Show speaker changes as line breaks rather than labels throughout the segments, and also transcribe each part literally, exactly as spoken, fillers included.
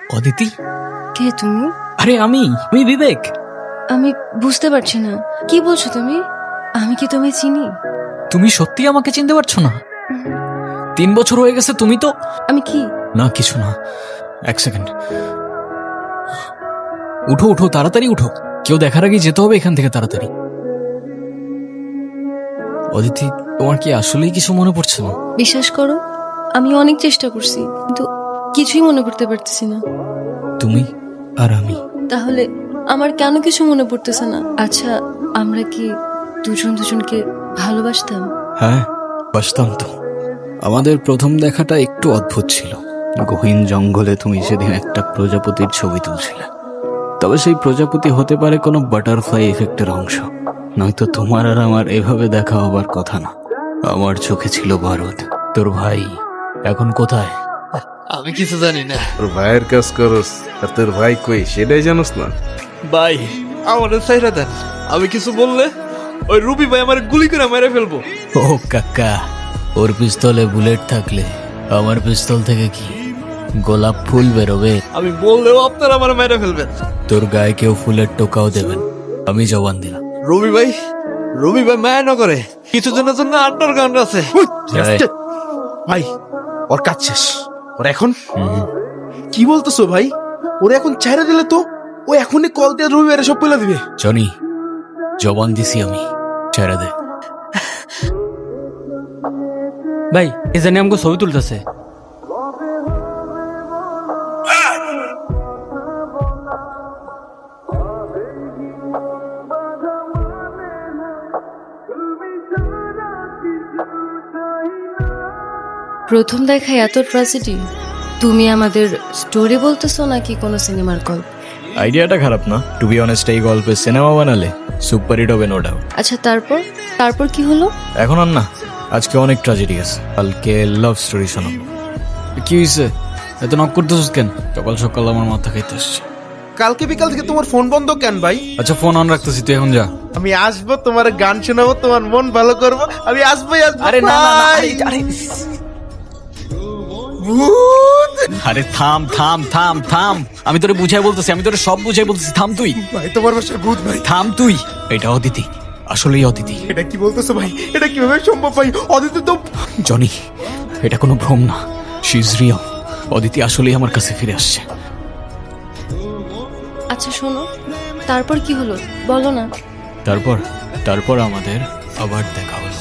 অদিতি,
কে তুমি?
আরে আমি আমি বিবেক।
আমি বুঝতে পারছি না, কি বলছো তুমি? আমি কি তুমি চিনি?
তুমি সত্যি আমাকে চিনতে পারছো না? তিন বছর হয়ে গেছে, তুমি তো।
আমি কি?
না কিছু না, এক সেকেন্ড। উঠো উঠো, তাড়াতাড়ি উঠো, কেউ দেখার আগে যেতে হবে এখান থেকে তাড়াতাড়ি। অদিতি, তোমার কি আসলেই কিছু মনে পড়ছে না?
বিশ্বাস করো, আমি অনেক চেষ্টা করছি, কিন্তু কিছুই মনে করতে পারতেছি না।
তুমি আর আমি।
তাহলে আমার কেন কিছু মনে পড়তেছে না? আচ্ছা, আমরা কি দুজন দুজনকে ভালোবাসতাম?
হ্যাঁ, বাসতাম তো। আমাদের প্রথম দেখাটা একটু অদ্ভুত ছিল। গহীন জঙ্গলে তুমি সেদিন একটা প্রজাপতির ছবি তুলছিলে। তবে সেই প্রজাপতি হতে পারে কোনো বাটারফ্লাই এফেক্টের অংশ, নয়তো তোমার আর আমার এভাবে দেখা হবার কথা না। আমার চোখে ছিল বারুদ। তোর ভাই এখন কোথায়?
আমি কিছু জানি না
তোর ভাইয়ের কাজ করস, আর তোর ভাই কই সেটাই জানোস না?
ভাই। আমার সাইরা দেন, আমি কিছু বললে ওই রুবি ভাই আমার গুলি করে মেরে ফেলবো।
ও কাকা, ওর পিস্তলে বুলেট থাকলে আমার পিস্তল থেকে কি গোলাপ ফুল বেরোবে?
আমি বললেও আপনারা আমার মেরে ফেলবেন।
তোর গায়ে কেউ ফুলের টোকাও দেবেন, আমি জবান দিলাম।
রবি ভাই, রবি ভাই মায়া না করে কিছু জনের জন্য আন্ডারগ্রাউন্ড আছে।
যাই।
ভাই ওর কাজ শেষ, ওর এখন
হুম,
কি বলতেছো ভাই? ওরে এখন ছেড়ে দিলে তো ও এখনই কল দিয়ে রবিবারে সব পেলা দিবে।
জনি, জবান দিছি আমি, ছেড়ে দে।
ভাই এ জানি আমাকে ছবি তুলতেছে।
প্রথম দেখায় এত ট্র্যাজেডি? তুমি আমাদের স্টোরি বলতেছো নাকি কোনো সিনেমার গল্প?
আইডিয়াটা খারাপ না, টু বি অনেস্ট। এই গল্পে সিনেমা বানালে সুপার হিট হবে, নো ডাউট।
আচ্ছা, তারপর তারপর কি হলো?
এখন আর না, আজকে অনেক ট্র্যাজেডি আছে, কালকে লাভ স্টোরি শোনাবো। কি হয়েছে, এত নক করতেছিস কেন? সকাল সকাল আমার মাথা খাইতে আসছে।
কালকে বিকাল থেকে তোমার ফোন বন্ধ কেন ভাই?
আচ্ছা ফোন অন রাখতেছি, তুই এখন যা।
আমি আসবো, তোমার গান শোনাবো, তোমার মন ভালো করবো, আমি আসবোই আসবো।
আরে না না না,
ভাই।
আরে আরে
ভূত!
আরে থাম থাম থাম থাম, আমি তোরে বুঝাই বলতেছি, আমি তোরে সব বুঝাই বলতেছি, থাম তুই,
ভাই তোমার বাসায় ভূত ভাই।
থাম তুই। এটা অদিতি, আসলেই অদিতি।
এটা কি বলতেছো ভাই? এটা কিভাবে সম্ভব ভাই? অদিতি তো
জনি, এটা কোনো ভ্রম না, শি ইজ রিয়েল। অদিতি আসলেই আমার কাছে ফিরে আসছে।
আচ্ছা শোনো, তারপর কি হলো বলো না।
তারপর তারপর আমাদের আবার দেখা হলো।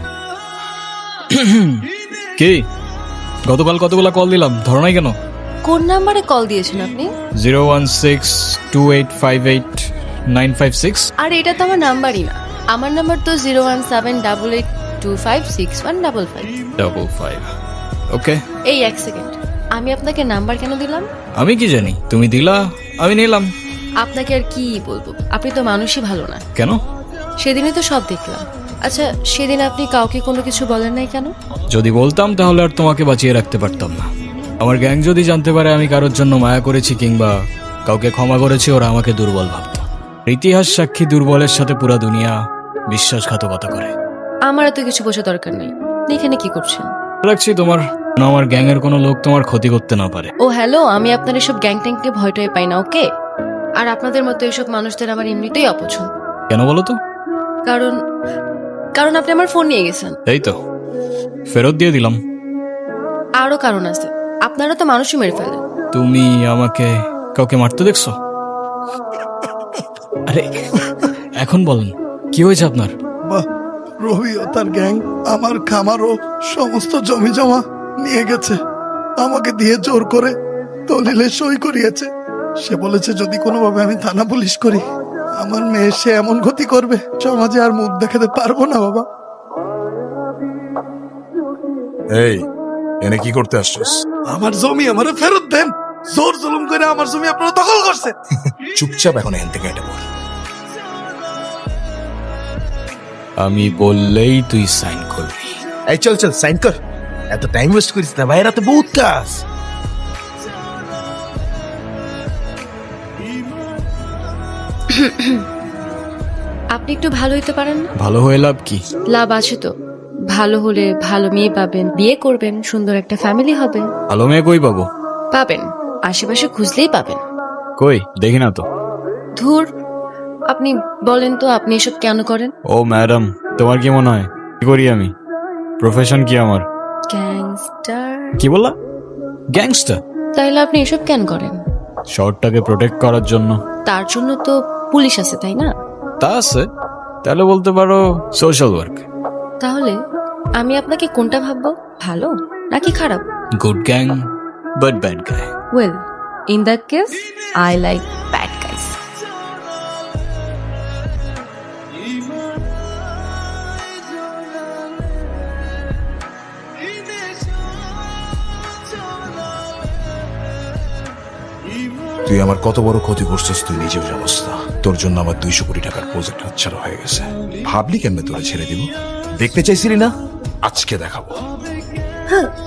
কি, গতকাল কতগুলা কল দিলাম, ধরো নাই কেন?
কোন নাম্বারে কল দিয়েছেন আপনি?
Zero one six two eight five eight nine five six.
আর এটা তো আমার নাম্বারই না, আমার নাম্বার তো zero one seven double eight two five six one double five.
Double five. Okay,
এই এক সেকেন্ড, আমি আপনাকে নাম্বার কেন দিলাম?
আমি কি জানি, তুমি দিলা, আমি নিলাম।
আপনাকে আর কি বলবো, আপনি তো মানুষই ভালো না।
কেন?
সেদিনই তো সব দেখলাম। আচ্ছা, সেদিন আপনি কাউকে কোনো কিছু বলেন নাই কেন?
যদি বলতাম তাহলে আর তোমাকে বাঁচিয়ে রাখতে পারতাম না। আমার গ্যাং যদি জানতে পারে আমি কারোর জন্য মায়া করেছি কিংবা কাউকে ক্ষমা করেছি, ওরা আমাকে দুর্বল ভাবত। ইতিহাস সাক্ষী, দুর্বলের সাথে পুরা দুনিয়া বিশ্বাসঘাতকতা করে।
আমার এত কিছু বোঝা দরকার নেই। আপনি এখানে কি করছেন?
রাখছি তোমার, আমার গ্যাং এর কোনো লোক তোমার ক্ষতি করতে না পারে।
ও হ্যালো, আমি আপনার এসব গ্যাং ট্যাংকে ভয় টয় পাই না, ওকে? আর আপনাদের মতো এসব মানুষদের আমার এমনিতেই অপছন্দ।
কেন বলো তো?
কারণ কারণ আপনি আমার ফোন নিয়ে গেছেন।
এই তো ফেরত দিয়ে দিলাম।
আরো কারণ আছে, আপনারা তো মানুষই মেরে ফেলেন।
তুমি আমাকে কাউকে মারতে দেখছো? আরে এখন বলেন, কি হয়েছে আপনার?
বাহ, রবি ও তার গ্যাং আমার খামার ও সমস্ত জমি জমা নিয়ে গেছে। আমাকে দিয়ে জোর করে দলিলে সই করিয়েছে। সে বলেছে যদি কোনোভাবে আমি থানা পুলিশ করি, আমার মেয়ে সে এমন ক্ষতি করবে সমাজে আর মুখ দেখাতে পারবো না বাবা।
এই, এনে কি করতে আসছিস?
আমার জমি আমারে ফেরত দেন। জোর জুলুম করে আমার জমি আপনারা দখল করছে।
চুপচাপ এখন এখান থেকে এটা বল।
আমি বললেই তুই সাইন করবি।
এই চল চল সাইন কর, এত টাইম ওয়েস্ট করিস না ভাই, রাতে বহুত কাজ।
আপনি একটু ভালো হইতে পারেন না?
ভালো হয়ে লাভ কি?
লাভ আছে তো, ভালো হলে ভালো মেয়ে পাবেন, বিয়ে করবেন, সুন্দর একটা ফ্যামিলি হবে।
ভালো মেয়ে কই পাবো?
পাবেন, আশেপাশে খুঁজলেই পাবেন।
কই দেখি না তো।
ধুর, আপনি বলেন তো আপনি এসব কেন করেন?
ও ম্যাডাম, তোমার কি মনে হয় কি করি আমি? প্রফেশন কি আমার?
গ্যাংস্টার?
কি বললা? গ্যাংস্টার?
তাইলে আপনি এসব কেন করেন?
শহরটাকে প্রোটেক্ট করার জন্য।
তার জন্য তো পুলিশ আছে, তাই না?
তা আছে, তাহলে বলতে পারো সোশ্যাল ওয়ার্ক।
তাহলে আমি আপনাকে কোনটা ভাববো, ভালো নাকি খারাপ?
Good gang but bad guy.
Well, in that case I like bad guys.
তুই আমার কত বড় ক্ষতি করছিস তুই নিজেও জানোস না। তোর জন্য আমার দুইশো কোটি টাকার প্রজেক্ট হাতছাড়া হয়ে গেছে। ভাবলি কেমনে তোরা ছেড়ে দিব? দেখতে চাইছিলি না? আজকে দেখাবো।